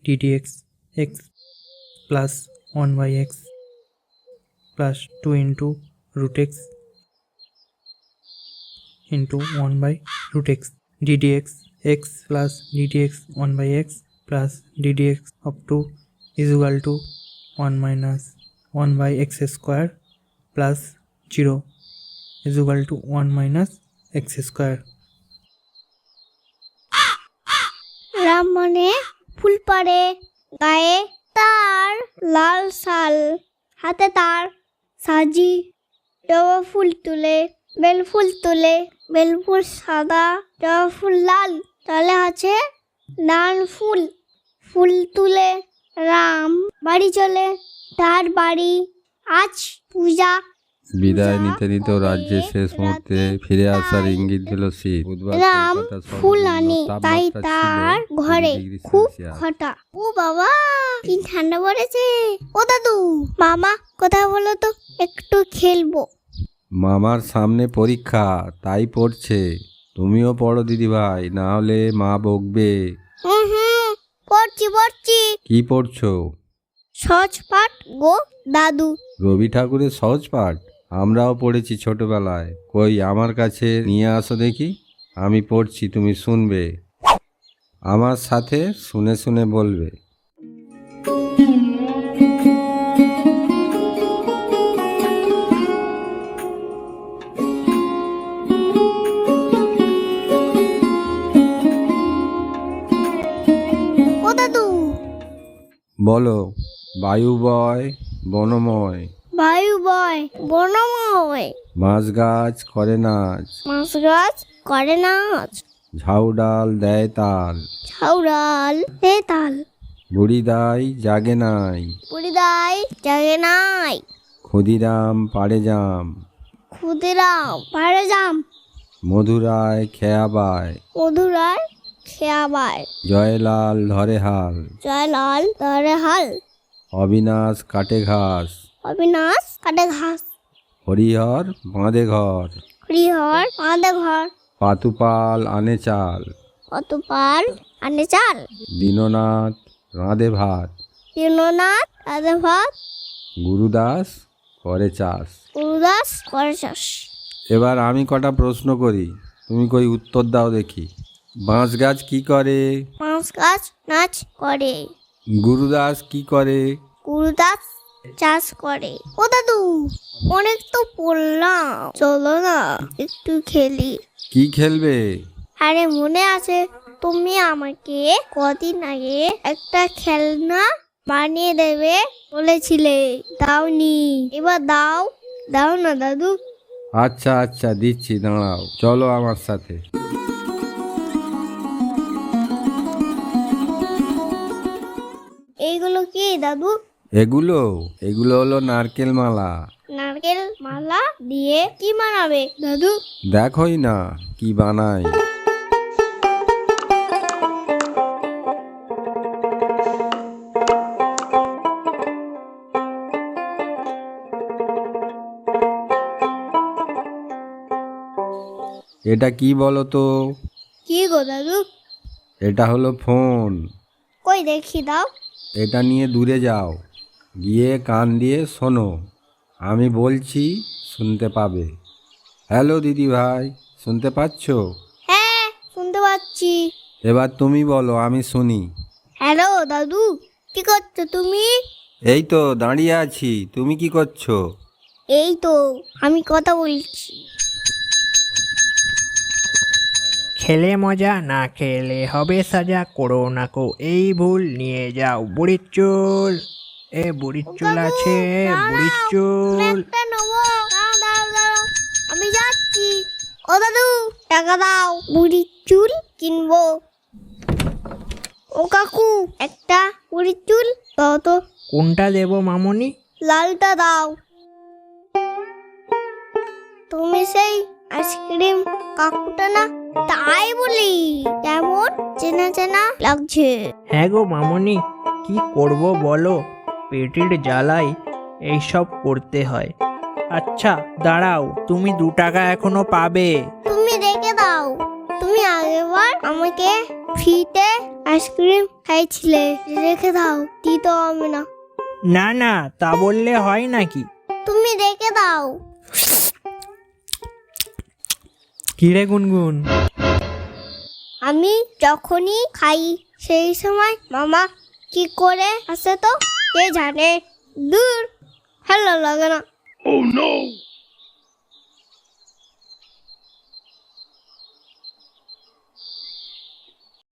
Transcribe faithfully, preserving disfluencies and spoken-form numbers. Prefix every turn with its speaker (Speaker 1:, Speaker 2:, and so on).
Speaker 1: d dx x plus one by x plus two into root x into one by root x d dx x plus d dx one by x plus d dx of two is equal to one minus one by x square plus zero is equal to one minus x square.
Speaker 2: Ram মনে ফুল পড়ে, গায়ে তার লাল শাল, হাতে তার সাজি, জবা ফুল তুলে, বেল ফুল তুলে, বেল ফুল সাদা, জবা ফুল লাল, তলে আছে লাল ফুল। ফুল তুলে রাম বাড়ি চলে, তার বাড়ি আজ পূজা।
Speaker 3: বিদায় নিতে নিতে রাজ্যের শেষ মুহূর্তে ফিরে আসার ইঙ্গিত দিল শীত।
Speaker 2: রাম ফুল আনে, তাই তার ঘরে খুব খটা। ও বাবা, কি ঠান্ডা পড়েছে। ও দাদু, মামা কোথায় বলো তো, একটু খেলবো।
Speaker 3: মামার সামনে পরীক্ষা, তাই পড়ছে। তুমিও পড়ো দিদি ভাই, না হলে মা বকবে।
Speaker 2: হুম হুম, পড়ছি পড়ছি।
Speaker 3: কি পড়ছো?
Speaker 2: সহজ পাঠ গো দাদু।
Speaker 3: রবি ঠাকুরের সহজ পাঠ? আমরাও পড়েছি ছোটবেলায়। কই আমার কাছে নিয়ে আসো দেখি, আমি পড়ছি, তুমি শুনবে, আমার সাথে শুনে শুনে বলবে।
Speaker 2: ও দাদু,
Speaker 3: বলো। বায়ু বয় বনময়,
Speaker 2: বায়ু বয় বনময়,
Speaker 3: মাছ গাছ করে নাচ,
Speaker 2: মাছ গাছ করে নাচ,
Speaker 3: ঝাউ ডাল দেয় তাল,
Speaker 2: ছাউড়াল হে তাল,
Speaker 3: বুড়ি দাই জাগে নাই,
Speaker 2: পুরিদাই জাগে নাই,
Speaker 3: ক্ষুদিরাম পাড়ে জাম,
Speaker 2: ক্ষুদিরাম পাড়ে জাম,
Speaker 3: মধুরায় খেয়া বায়,
Speaker 2: মধুরায় খেয়াবায়,
Speaker 3: জয়লাল ধরে হাল,
Speaker 2: জয়লাল ধরে হাল,
Speaker 3: অবিনাশ কাটে ঘাস,
Speaker 2: অবিনাশ কাটে ঘাস,
Speaker 3: হরিহর বাঁধে ঘর,
Speaker 2: হরিহর বাঁধে ঘর,
Speaker 3: পাতুপাল আনে চাল,
Speaker 2: অতপাল আনে চাল,
Speaker 3: দীননাথ রাঁধে ভাত,
Speaker 2: দীননাথ রাধে ভাত,
Speaker 3: গুরুদাস করে চাষ।
Speaker 2: গুরুদাস করে চাষ।
Speaker 3: এবার আমি কটা প্রশ্ন করি, তুমি কই উত্তর দাও দেখি। বাঁশ গাছ কি করে?
Speaker 2: বাঁশ গাছ নাচ করে।
Speaker 3: গুরুদাস কি করে?
Speaker 2: গুরুদাস চাষ করে। ও দাদু, অনেক তো পড়লাম, চলো না একটু খেলি।
Speaker 3: কি খেলবে?
Speaker 2: আরে মনে আছে, তুমি আমাকে কদিন আগে একটা খেলনা বানিয়ে দেবে বলেছিলে, দাওনি। এবার দাও, দাও না দাদু।
Speaker 3: আচ্ছা আচ্ছা দিচ্ছি, দাঁড়াও, চলো আমার সাথে।
Speaker 2: এইগুলো কি দাদু?
Speaker 3: এগুলো এগুলো হলো নারকেল মালা।
Speaker 2: নারকেল মালা দিয়ে কি বানাবে দাদু?
Speaker 3: দেখোই না কি বানাই। এটা কি বলো তো?
Speaker 2: কি গো দাদু?
Speaker 3: এটা হলো ফোন।
Speaker 2: কই দেখি দাও।
Speaker 3: এটা নিয়ে দূরে যাও, গিয়ে কান দিয়ে শোনো, আমি বলছি শুনতে পাবে। হ্যালো দিদি ভাই, শুনতে পাচ্ছো?
Speaker 2: হ্যাঁ, শুনতে পাচ্ছি।
Speaker 3: এবার তুমি বলো, আমি শুনি।
Speaker 2: হ্যালো দাদু, কি করছো তুমি?
Speaker 3: এই তো দাঁড়িয়ে আছি, তুমি কি করছো?
Speaker 2: এই তো আমি কথা বলছি।
Speaker 1: খেলে মজা, না খেলে হবে সাজা, করো না কো এই ভুল, নিয়ে যাও বুড়ির চুল। এ বুড়ির চুল আছে, বুড়ির চুল।
Speaker 2: একটা নেবো, দাও দাও দাও, আমি যাচ্ছি। ও দাদু, টাকা দাও, বুড়ির চুল কিনবো। ও কাকু, একটা বুড়ির চুল দাও তো।
Speaker 1: কোনটা দেবো মামনি?
Speaker 2: লালটা দাও। তুমি সেই আইসক্রিম কাকুটা না? তাই বলি, কেমন চেনা চেনা লাগছে।
Speaker 1: হ্যাঁ গো মামনি, কি করব বলো, পেটের জ্বালায় এইসব করতে হয়। আচ্ছা দাঁড়াও, তুমি দু টাকা এখনো পাবে।
Speaker 2: তুমি রেখে দাও, তুমি আগেরবার আমাকে ফ্রিতে আইসক্রিম খাইছিলে, রেখে দাও, দিতে হবে না।
Speaker 1: না না, তা বললে হয় নাকি?
Speaker 2: তুমি রেখে দাও।
Speaker 1: কিরে গুনগুন?
Speaker 2: আমি যখনই খাই সেই সময় মামা কি করে আসে তো কে জানে। দূর, ভালো লাগে না।